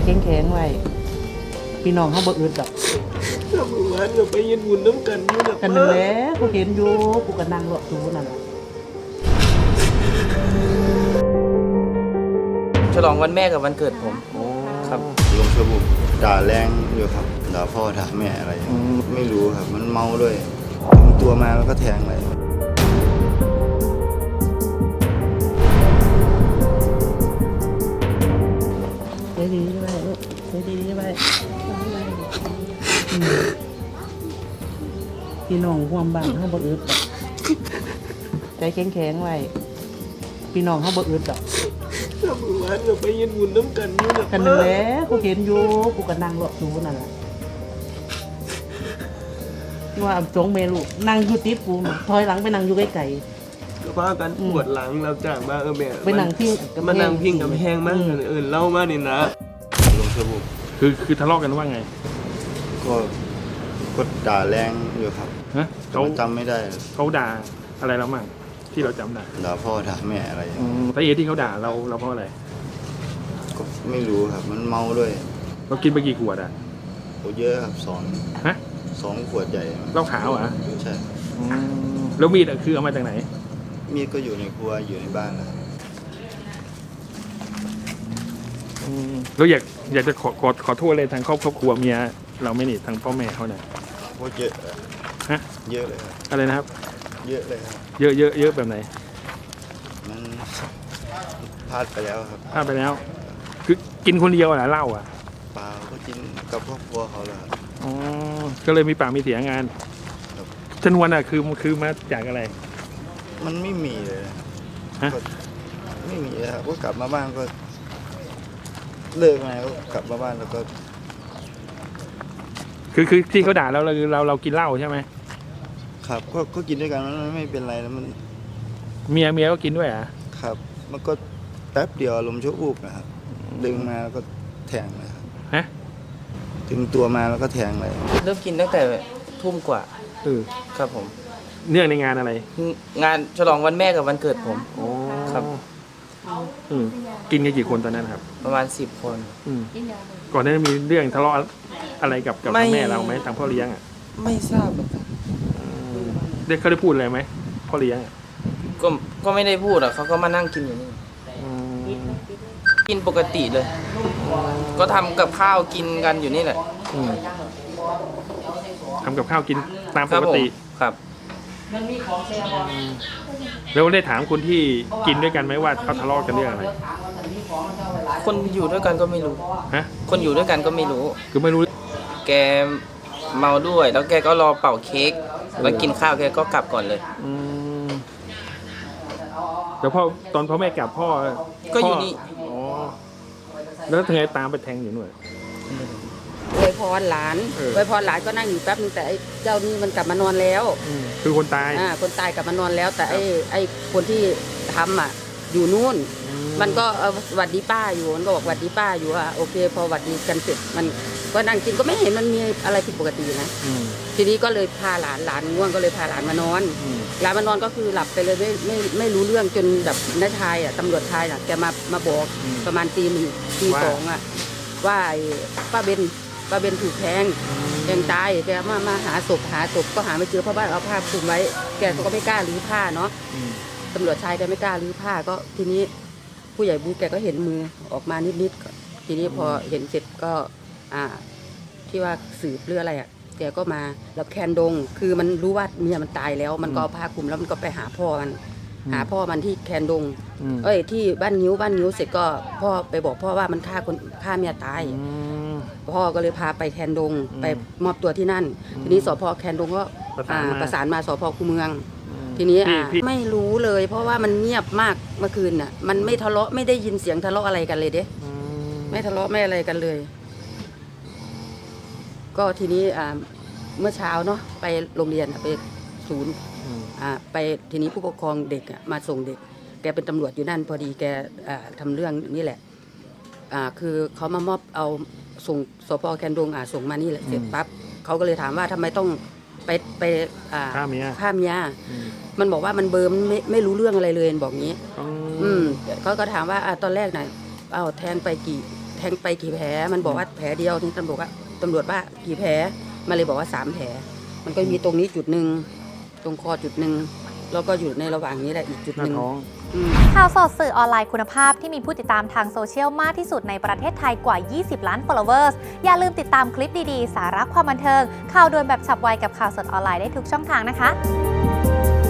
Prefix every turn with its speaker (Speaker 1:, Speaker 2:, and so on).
Speaker 1: แข็งๆไว้พี่น้องเขาบ่อึดดอก
Speaker 2: เราเมื่อวานเราไปยืนบุญน้ำกันอยู่นะ
Speaker 1: กันนึงแหล้วกูเห็นอยู่กูก็นั่งรอดูนั่นล่ะ
Speaker 3: ฉลองวันแม่กับวันเกิดผมครับ
Speaker 4: ลงสบุกด่าแรงอยู่ครับด่าพ่อด่าแม่อะไรอย่างเงี้ยไม่รู้ครับมันเมาด้วยถึงตัวมาแล้วก็แทงเลย
Speaker 1: ใจดีไว้ลูกใจดีไว้พี่น้องร่วมบ้านเขาบ่อึดดอกใจแข็งๆไว้พี่น้องเขาบ่อึดดอก
Speaker 2: เราเมื่อวานเราไปยืนบุญน้ำกันอยู่นะ
Speaker 1: กันนึงแหล้วกูเห็นอยู่กูก็นั่งรอดูนั่นล่ะว่าสองเมลูกนั่งอยู่ติดกูถอยหลังไปนั่งอยู่ไกล
Speaker 2: ก็พากันปวดหลังเราจากมาแม่
Speaker 1: ๆไปนั่งพิงกับ
Speaker 2: มานั่งพิงกับแพงมากเล่ามานี่นะ
Speaker 4: ลงสบุก
Speaker 5: คือทะเลาะกันว่าไง
Speaker 4: ก็ด่าแรงอยู่ครับ
Speaker 5: ฮะ
Speaker 4: แต่ว่าจำไม่ได้
Speaker 5: เขาด่าอะไรเรามั่งที่เราจำได้
Speaker 4: ด่าพ่อด่าแม่อะไรอย่างเงี้ย
Speaker 5: สาเหตุที่เขาด่าเราเพราะอะไร
Speaker 4: ก็ไม่รู้ครับมันเมาด้วย
Speaker 5: เรากินไปกี่ขวดอ่ะ
Speaker 4: โอ้เยอะครับ
Speaker 5: ฮะ
Speaker 4: สองขวดใหญ่
Speaker 5: เหล้าขาวอ่ะ
Speaker 4: ใช่
Speaker 5: แล้วมีดอะคือเอามาจากไหน
Speaker 4: มีดก็อยู่ในครัวอยู่ในบ้านนะครับ
Speaker 5: เราอยากจะขอโทษเลยทางครอบครัวเมียเราไม่นี่ทางพ่อแม่เขาเนี่ย
Speaker 4: โอ้เยอะ
Speaker 5: ฮะ
Speaker 4: เยอะเลยครับ
Speaker 5: อะไรนะครับ
Speaker 4: เยอะเลยครับ
Speaker 5: เยอะแบบไหน
Speaker 4: มันพลาดไปแล้วครับ
Speaker 5: พลาดไปแล้ว คือกินคนเดียวเหรอเหล้าอ่ะ
Speaker 4: เปล่าก็กินกับครอบครัวเขาเลยครับ
Speaker 5: อ๋อก็เลยมีปากมีเสียงงาน
Speaker 4: ครับ
Speaker 5: ชนวนอ่ะคือมาจากอะไร
Speaker 4: มันไม่มีเลย
Speaker 5: ฮะ
Speaker 4: ก็ไม่มีเลยครับก็กลับมาบ้านก็เลิกมาก็กลับมาบ้านแล้วก็
Speaker 5: คือที่เขาด่าเรากินเหล้าใช่ไหม
Speaker 4: ครับก็กินด้วยกันมันไม่เป็นไรแล้วมัน
Speaker 5: เมียก็กินด้วยอ่ะ
Speaker 4: ครับ มันก็แป๊บเดียวอารมณ์ชั่ววูบนะครับดึงมาแล้วก็แทงเลยครับ
Speaker 5: ฮะ
Speaker 4: ถึงตัวมาแล้วก็แทงเลย
Speaker 3: เริ่มกินตั้งแต่ทุ่มกว่า ครับผม
Speaker 5: เนื่องในงานอะไร
Speaker 3: งานฉลองวันแม่กับวันเกิดผม ครับ
Speaker 5: กินกันกี่คนตอนนั้นครับ
Speaker 3: ประมาณ10 คน
Speaker 5: ก่อนหน้านั้นมีเรื่องทะเลาะอะไรกับ
Speaker 3: ไม่
Speaker 5: แม่เราไหมทางพ่อเลี้ยงอ่ะ
Speaker 3: ไม่ทราบเหมือนกัน
Speaker 5: เขาได้พูดอะไรไหมพ่อเลี้ยงอะ
Speaker 3: ก็ไม่ได้พูดอ่ะเขาก็มานั่งกินอยู่นี่กินปกติเลย ก็ทำกับข้าวกินกันอยู่นี่แหละ
Speaker 5: ทำกับข้าวกินตาม
Speaker 3: ค
Speaker 5: ป
Speaker 3: รับ
Speaker 5: ก
Speaker 3: ผม
Speaker 5: ติ
Speaker 3: ครับ
Speaker 5: แล้วได้ถามคนที่กินด้วยกันไหมว่าเขาทะเลาะกันเรื่องอะไร
Speaker 3: คนอยู่ด้วยกันก็ไม่รู้
Speaker 5: ฮะ
Speaker 3: คนอยู่ด้วยกันก็ไม่รู้
Speaker 5: คือไม่รู้
Speaker 3: แกเมาด้วย แล้วแกก็รอเป่าเค้กแล้วกินข้าวแกก็กลับก่อนเลย
Speaker 5: แต่ตอนพ่อแม่กลับพ่อ
Speaker 3: ก็อยู่นี่
Speaker 5: อ๋อแล้วทำไงตามไปแทงอยู่หน่วย
Speaker 6: อวยพรหลาน
Speaker 5: เออ
Speaker 6: อวยพรหลานก็นั่งอยู่แป๊บนึงแต่ไอ้เจ้านี่มันกลับมานอนแล้ว
Speaker 5: คือคนตาย
Speaker 6: คนตายกลับมานอนแล้ว แต่ไอ้คนที่ทำอ่ะอยู่นู่น มันก็หวัดดีป้าอยู่มันก็บอกหวัดดีป้าอยู่อ่ะโอเค พอหวัดดีกันเสร็จมันก็นั่งกินก็ไม่เห็นมันมีอะไรผิดปกตินะทีนี้ก็เลยพาหลานง่วงก็เลยพาหลานมานอนหลานมานอนก็คือหลับไปเลยไม่รู้เรื่องจนแบบน้าชายอ่ะตำรวจชายอ่ะแกมาบอกประมาณตี 1 ตี 2อ่ะว่าไอ้ป้าเบนถูกแทงตายแกมาหาศพก็หาไม่เจอเพราะว่าเอาผ้าคลุมไว้แกก็ไม่กล้ารื้อผ้าเนาะตำรวจชายแกไม่กล้ารื้อผ้าก็ทีนี้ผู้ใหญ่บูแกก็เห็นมือออกมานิดๆทีนี้พอเห็นเสร็จก็ที่ว่าสืบเรื่องอะไรอ่ะแกก็มาแล้วแคนดงคือมันรู้ว่าเมียมันตายแล้วมันก็เอาผ้าคลุมแล้วมันก็ไปหาพ่อมันที่แคนดงที่บ้านนิ้วเสร็จก็พ่อไปบอกพ่อว่ามันฆ่าเมียตายพ่อก็เลยพาไปแคนดงไปมอบตัวที่นั่นทีนี้สพแคนดงก็ประสานมาสพคูเมืองทีนี้ไม่รู้เลยเพราะว่ามันเงียบมากเมื่อคืนน่ะมันไม่ทะเลาะไม่ได้ยินเสียงทะเลาะอะไรกันเลยเด้ไม่ทะเลาะไม่อะไรกันเลยก็ทีนี้เมื่อเช้าเนาะไปโรงเรียนไปศูนย์ไปทีนี้ผู้ปกครองเด็กมาส่งเด็กแกเป็นตำรวจอยู่นั่นพอดีแกทำเรื่องนี่แหละคือเขามามอบเอาส่งสพแคนดงส่งมานี่แหละเสร็จปั๊บเขาก็เลยถามว่าทำไมต้องไปฆ่าเมียมันบอกว่ามันเบอร์ไม่รู้เรื่องอะไรเลยบอกงี้เขาก็ถามว่าตอนแรกไหนแทงไปทงไปกี่แผลมันบอกว่าแผลเดียวที่ตำรวจว่ากี่แผลมาเลยบอกว่า3 แผลมันก็มีตรงนี้จุดหนึ่งตรงคอจุดหนึ่งแล้วก็อยู่ในระหว่างนี้แหละอีกจุด
Speaker 1: หน้า
Speaker 6: หนึ่ง
Speaker 1: ท้อง
Speaker 7: ข่าวสดสื่อออนไลน์คุณภาพที่มีผู้ติดตามทางโซเชียลมากที่สุดในประเทศไทยกว่า 20 ล้าน followers อย่าลืมติดตามคลิปดีๆ สาระความบันเทิงข่าวด่วนแบบฉับไวกับข่าวสดออนไลน์ได้ทุกช่องทางนะคะ